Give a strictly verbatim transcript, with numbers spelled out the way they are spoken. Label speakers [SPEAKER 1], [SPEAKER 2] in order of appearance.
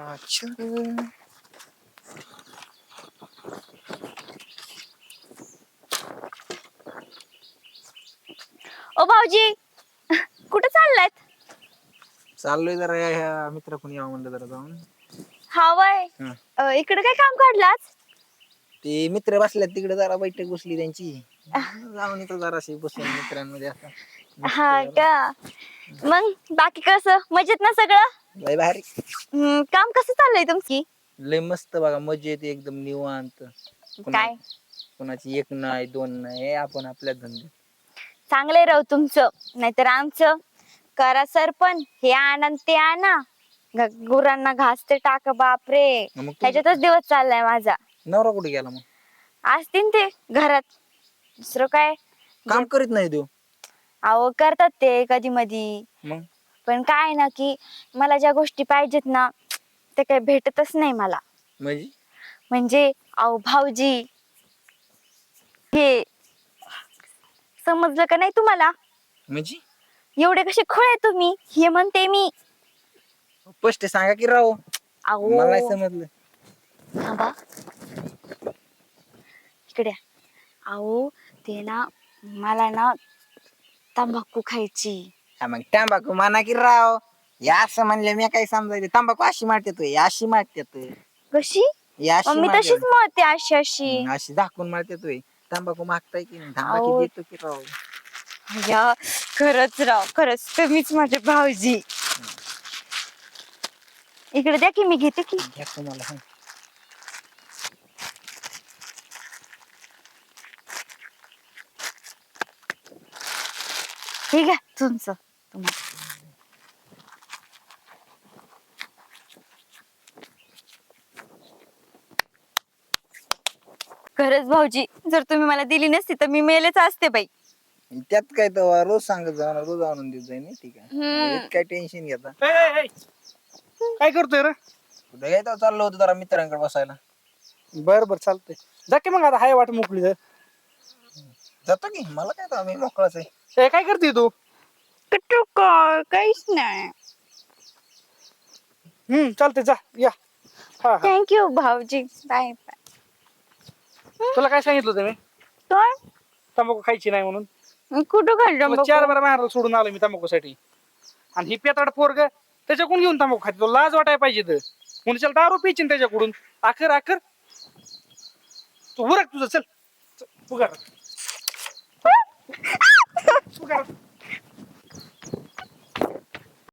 [SPEAKER 1] अच्छा
[SPEAKER 2] ओ भाऊजी कुठे चाललायत?
[SPEAKER 1] चाललोय जरा ह्या मित्र कोणी यावं म्हणलं जरा जाऊन.
[SPEAKER 2] हा वय
[SPEAKER 1] हा.
[SPEAKER 2] अ, इकडे काय काम काढलं आज?
[SPEAKER 1] ते मित्र बसल्यात तिकडे जरा बैठक बसली त्यांची. जाऊन येतो जराशी बसून मित्रांमध्ये आता मस्त
[SPEAKER 2] हा
[SPEAKER 1] जरा.
[SPEAKER 2] का मग बाकी कसं मजेत ना सगळं?
[SPEAKER 1] लय भारी.
[SPEAKER 2] हम्म, काम कसं चाललंय तुमची?
[SPEAKER 1] लय मस्त बघा मजेत एकदम निवांत. पुन्हा
[SPEAKER 2] काय
[SPEAKER 1] कोणाची एक नाही दोन नाही हे आपण आपल्या धंद्यात.
[SPEAKER 2] चांगलंय राव तुमचं, नाहीतर आमचं करा सरपण हे आणा न ते आणा ग- गुरांना घास ते टाका बापरे
[SPEAKER 1] मग तुझं
[SPEAKER 2] ह्याच्यातच दिवस चाललाय माझा.
[SPEAKER 1] नवरा कुठे गेला मग?
[SPEAKER 2] असतील ते घरात, दुसरं काय जे
[SPEAKER 1] काम करीत नाही देऊ.
[SPEAKER 2] अहो करतात ते कधी मधी.
[SPEAKER 1] मग
[SPEAKER 2] पण काय ना की मला ज्या गोष्टी पाहिजेत ना ते काही भेटतच नाही मला.
[SPEAKER 1] म्हणजे
[SPEAKER 2] म्हणजे अहो भाऊजी हे समजलं का नाही तुम्हाला?
[SPEAKER 1] म्हणजे
[SPEAKER 2] एवढे कसे खुळे तुम्ही हे म्हणते मी.
[SPEAKER 1] स्पष्ट सांगा की राव, मला नाही
[SPEAKER 2] अहो
[SPEAKER 1] समजलं.
[SPEAKER 2] थांबा इकडे या. अहो ते ना मला ना तंबाखू खायची.
[SPEAKER 1] हा मग तंबाखू म्हणा की राव. या असं म्हणले मी काय समजायचं तंबाखू अशी मारतात अशी मारतात.
[SPEAKER 2] कशी?
[SPEAKER 1] अशी
[SPEAKER 2] मग मी तशीच
[SPEAKER 1] मारतात
[SPEAKER 2] मळते अशी अशी.
[SPEAKER 1] अशी झाकून मारतात. तंबाखू मागताय की नाही थांबा की
[SPEAKER 2] अहो
[SPEAKER 1] देतो की राव.
[SPEAKER 2] या खरंच राव खरंच तुम्हीच माझे भाऊजी. इकडे द्या की मी घेते की.
[SPEAKER 1] घ्या तुम्हाला सांग.
[SPEAKER 2] हे घ्या तुमचं तुम्हाला. खरंच भाऊजी जर तुम्ही मला दिली नसती तर मी मेलेच असते बाई.
[SPEAKER 1] त्यात काय तर रोज सांगत जाणार रोज आणून देत जाईन ठीक आहे.
[SPEAKER 2] हम्म.
[SPEAKER 1] काय टेन्शन घेता.
[SPEAKER 3] काय करतोय रे?
[SPEAKER 1] कुठे घ्यायचं चाललो होतो जरा मित्रांकडे बसायला.
[SPEAKER 3] बर बर चालतंय जा की मग आता हाय वाट मोकळी जर.
[SPEAKER 1] जातो की मला काय तर मी मोकळाच आहे.
[SPEAKER 3] ए, काय करते तू?
[SPEAKER 2] कुठं काय काहीच नाही.
[SPEAKER 3] हम्म चालतंय जा या. हा हा
[SPEAKER 2] थँक्यू भाऊजी बाय बाय.
[SPEAKER 3] तुला काय सांगितलं होतं मी
[SPEAKER 2] काय?
[SPEAKER 3] तंबाखू खायची नाही म्हणून?
[SPEAKER 2] कुठं
[SPEAKER 3] तुला
[SPEAKER 2] खाल्लं
[SPEAKER 3] चार
[SPEAKER 2] बघू?
[SPEAKER 3] बारा मारायला सोडून आलो मी तंबाखूसाठी. आणि ही पेताड पोरग त्याच्याकडून घेऊन तंबाखू खाते तो लाज वाटायला पाहिजे तर म्हणून चल दारू पिचिन त्याच्याकडून आखर आखर तू उरक तुझं चल उघड